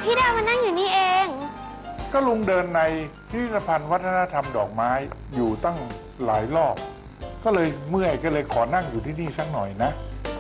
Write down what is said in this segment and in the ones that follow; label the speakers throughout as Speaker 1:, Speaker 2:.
Speaker 1: พี่ดาวมานั่งอยู่นี่เอง
Speaker 2: ก็ลุงเดินในพิพิธภัณฑ์วัฒนธรรมดอกไม้อยู่ตั้งหลายรอบ ก็เลยเมื่อยก็เลยขอนั่งอยู่ที่นี่สักหน่อยนะ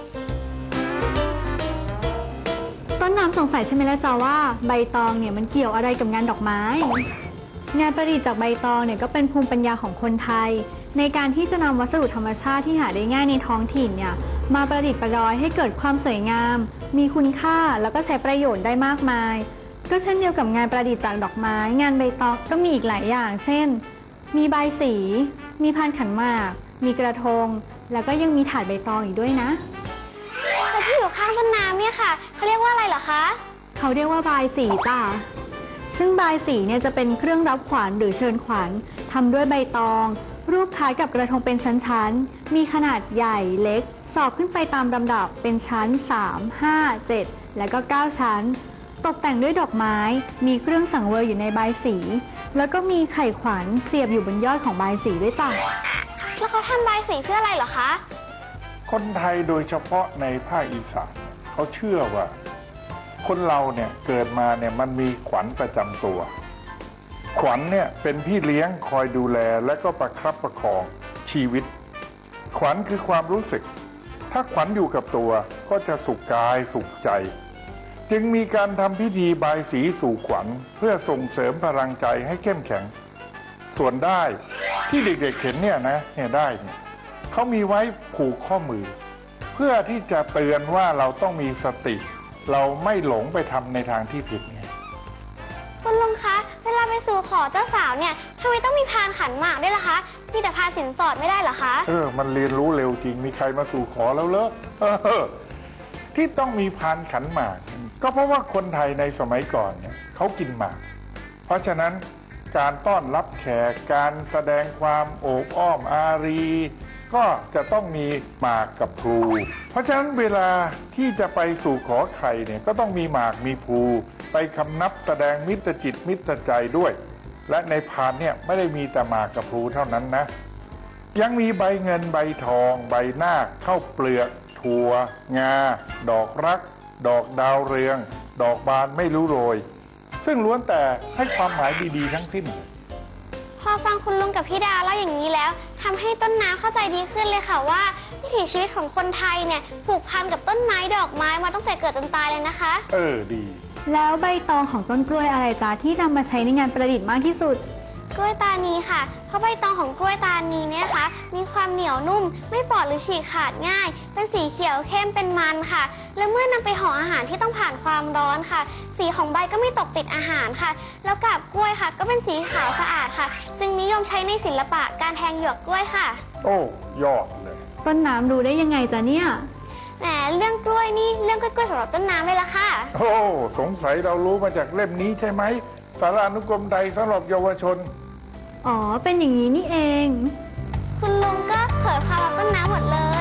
Speaker 3: ต้นน้ำสงสัยใช่ไหมล่ะจ๊ะว่าใบตองเนี่ยมันเกี่ยวอะไรกับงานดอกไม้ งานประดิษฐ์จากใบตองเนี่ยก็เป็นภูมิปัญญาของคนไทยในการที่จะนำวัสดุธรรมชาติที่หาได้ง่ายในท้องถิ่นเนี่ยมาประดิษฐ์ประดอยให้เกิดความสวยงามมีคุณค่าแล้วก็ใช้ประโยชน์ได้มากมายก็เช่นเดียวกับงานประดิษฐ์จากดอกไม้งานใบตองก็มีอีกหลายอย่างเช่นมีใบสีมีพานขันหมากมีกระทงแล้วก็ยังมีถาดใบตองอีกด้วยนะ
Speaker 1: แต่ที่อยู่ข้างต้นน้ำเนี่ยค่ะเขาเรียกว่าอะไรเหรอคะ
Speaker 3: เขาเรียกว่าบายสีจ้ะซึ่งบายสีเนี่ยจะเป็นเครื่องรับขวัญหรือเชิญขวัญทำด้วยใบตองรูปคล้ายกับกระทงเป็นชั้นๆมีขนาดใหญ่เล็กสอบขึ้นไปตามลำดับเป็นชั้น3 5 7และก็9ชั้นตกแต่งด้วยดอกไม้มีเครื่องสังเวยอยู่ในบายสีแล้วก็มีไข่ขวัญเสียบอยู่บนยอดของบายสีด้วยจ้ะ
Speaker 1: แล้วเขาทำบายสีเพื่ออะไรเหรอคะ
Speaker 2: คนไทยโดยเฉพาะในภาคอีสานเขาเชื่อว่าคนเราเนี่ยเกิดมาเนี่ยมันมีขวัญประจำตัวขวัญเนี่ยเป็นพี่เลี้ยงคอยดูแลและก็ประคับประคองชีวิตขวัญคือความรู้สึกถ้าขวัญอยู่กับตัวก็จะสุขกายสุขใจจึงมีการทำพิธีบายสีสู่ขวัญเพื่อส่งเสริมพลังใจให้เข้มแข็งส่วนได้ที่เด็กๆเห็นเนี่ยนะเนี่ยได้เนี่ยเขามีไว้ผูกข้อมือเพื่อที่จะเตือนว่าเราต้องมีสติเราไม่หลงไปทำในทางที่ผิดไง
Speaker 1: คุณลุงคะเวลาไปสู่ขอเจ้าสาวเนี่ยทำไมต้องมีพานขันหมากด้วยล่ะคะมีแต่พานสินสอดไม่ได้เหรอคะ
Speaker 2: มันเรียนรู้เร็วจริงมีใครมาสู่ขอแล้วเหรอที่ต้องมีพานขันหมากก็เพราะว่าคนไทยในสมัยก่อนเนี่ยเขากินหมากเพราะฉะนั้นการต้อนรับแขกการแสดงความโอบอ้อมอารีก็จะต้องมีหมากกับพลูเพราะฉะนั้นเวลาที่จะไปสู่ขอใครเนี่ยก็ต้องมีหมากมีพลูไปคำนับแสดงมิตรจิตมิตรใจด้วยและในพานเนี่ยไม่ได้มีแต่หมากกับพลูเท่านั้นนะยังมีใบเงินใบทองใบนาคข้าวเปลือกถั่วงาดอกรักดอกดาวเรืองดอกบานไม่รู้โรยซึ่งล้วนแต่ให้ความหมายดีๆทั้งสิ้น
Speaker 1: พอฟังคุณลุงกับพี่ดาเล่าอย่างนี้แล้วทำให้ต้นน้ำเข้าใจดีขึ้นเลยค่ะว่าวิถีชีวิตของคนไทยเนี่ยผูกพันกับต้นไม้ดอกไม้มาตั้งแต่เกิดจนตายเลยนะคะ
Speaker 2: ดี
Speaker 3: แล้วใบตองของต้นกล้วยอะไรจ๊ะที่นำมาใช้ในงานประดิษฐ์มากที่สุด
Speaker 1: กล้วยตานีค่ะเพราะใบตองของกล้วยตานีเนี่ยนะคะมีความเหนียวนุ่มไม่ปอดหรือฉีกขาดง่ายเป็นสีเขียวเข้มเป็นมันค่ะและเมื่อนำไปห่ออาหารที่ต้องผ่านความร้อนค่ะสีของใบก็ไม่ตกติดอาหารค่ะแล้วกาบกล้วยค่ะก็เป็นสีขาวสะอาดค่ะจึงนิยมใช้ในศิลปะการแทงหยวกกล้วยค่ะ
Speaker 2: โอ้ยอดเลย
Speaker 3: ต้นน้ำรู้ได้ยังไงจ๊ะเนี่ย
Speaker 1: แหมเรื่องกล้วยนี่เรื่องกล้วยสำหรับต้นน้ำเลยล่ะค่ะ
Speaker 2: โอ้สงสัยเรารู้มาจากเล่มนี้ใช่ไหมสารานุกรมใดสำหรับเยาวชน
Speaker 3: อ๋อเป็นอย่างนี้นี่เอง
Speaker 1: คุณลุงก็เผยความลับต้นน้ำหมดเลย